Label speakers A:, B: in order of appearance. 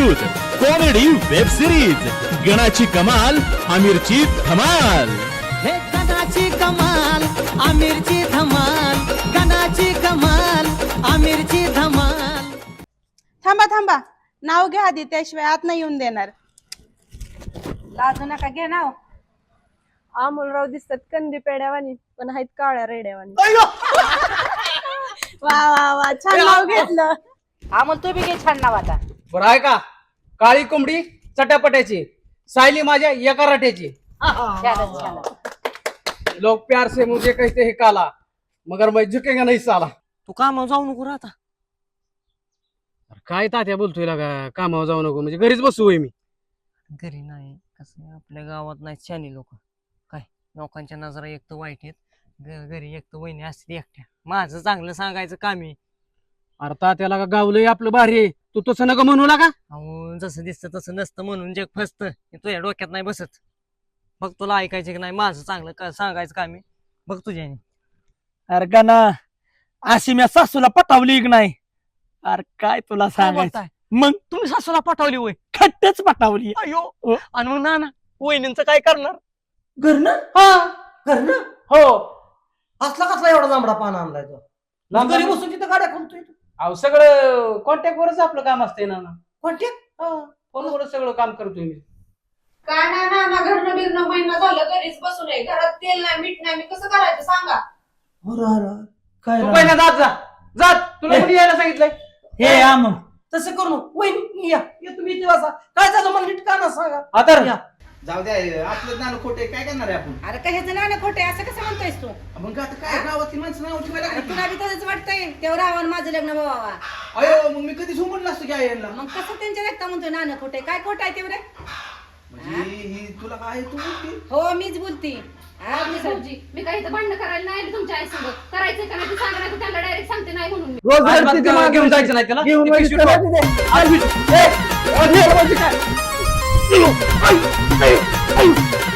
A: News comedy web series गणाची कमाल आमिरची धमाल.
B: हे गणाची कमाल आमिरची धमाल, गणाची कमाल आमिरची धमाल.
C: थांबा थांबा, नाव घ्या आधी, त्याशिवाय आत नाही येऊन देणार.
D: लाजू नका घे नाव.
C: अमोलराव दिसतात कंदी पेड्यावानी, पण आहेत काळ्या रेड्यावानी. वा वा वा, छान नाव घेतलं.
D: अमोल तू बी घे छान नाव आता.
E: बरं आहे का? काळी कोंबडी चटापट्याची, सायली माझ्या एका राट्याची.
D: छानच छान.
E: लोग प्यार से मुझे कहते हैं काला, मगर मैं झुकेगा नहीं साला.
B: तू कामावर जाऊ नको आता.
E: काय तात्या बोलतोय का? कामावर जाऊ नको म्हणजे घरीच बसू होय मी.
B: घरी नाही, कसं आपल्या गावात नाही शानी लोक, काय लोकांच्या नजरा एक तर वाईट आहेत, घरी एक तर वहिनी असते एकट्या. माझं चांगलं सांगायचं काम आहे.
E: अरे तात्याला का गावलंय आपलं भारी आहे, तू तसं नका म्हणू लागा.
B: अहो जसं दिसतं तसं नसतं म्हणून जग फसतं. हे तुझ्या डोक्यात नाही बसत. बघ तुला ऐकायचं की नाही, माझं चांगलं सांगायचं काम आहे. बघ तुझ्याने.
F: अरे का ना, अशी मी सासूला पटावली की नाही? अरे काय तुला
B: काय
F: सांगायचं,
B: बोलताय? मग तुम्ही सासूला पाठवली होय?
F: खट्टच पटावली.
B: अयो, आणि मग ना वहिनींचं काय करणार?
G: घरनं घरनं
E: हो,
G: असला कसला एवढा लांबडा पान आणलाय तो? घरी बसून तिथं गाड्या खोलतोय तू.
E: अहो सगळं कॉन्टॅक्ट वरच आपलं काम असतंय ना.
G: कॉन्टॅक्ट
E: फोनवर सगळं काम करतोय मी.
H: काय नाही ना, घरनं बिरणं महिना झालं घरीच बसून आहे. घरात तेल नाही मीठ नाही, मी कसं करायचं सांगा.
G: अरे काय
E: तू
G: राव.
E: पहिला जात तुला कुठे यायला सांगितलंय?
F: हे आम
G: तसं करू वहिनी या तुम्ही इथे बसा. काय झालं मला नीट का ना सांगा.
E: आता
G: या.
I: जाऊ द्या, आपलं ज्ञान खोटे काय करणार आहे आपण?
D: अरे कशाचं नाणं खोटे असं कसं म्हणतोयस तू?
I: मग आता काय गावातली माणसं नाव ठेवायला
D: अरे
I: लागली.
D: तुला बी तसंच वाटतंय तेव्हा रावण माझं लग्न व्हावा.
I: अयो मग मी कधी म्हणलं असतं की आईला.
D: मग कसं त्यांच्या व्यक्त म्हणतोय नाणं खोटे? काय खोटं आहे तेवढे?
I: म्हणजे ही तुला काय तू बोलती?
D: हो मीच बोलती.
H: भाऊजी, मी काही इथं भांडण करायला नाही आली तुमच्या आईसोबत. करायचं का नाही ते सांगा, नाही त्यांना डायरेक्ट सांगते नाही म्हणून मी.
F: रोज
E: अजिबात
F: तिथे मागे
E: घेऊन जायचं नाही त्याला.
F: घेऊन
E: ती पिशवी
F: जायचं
E: ठेव.
F: नाही तिथे. आज- ए, आज हे म्हणजे काय?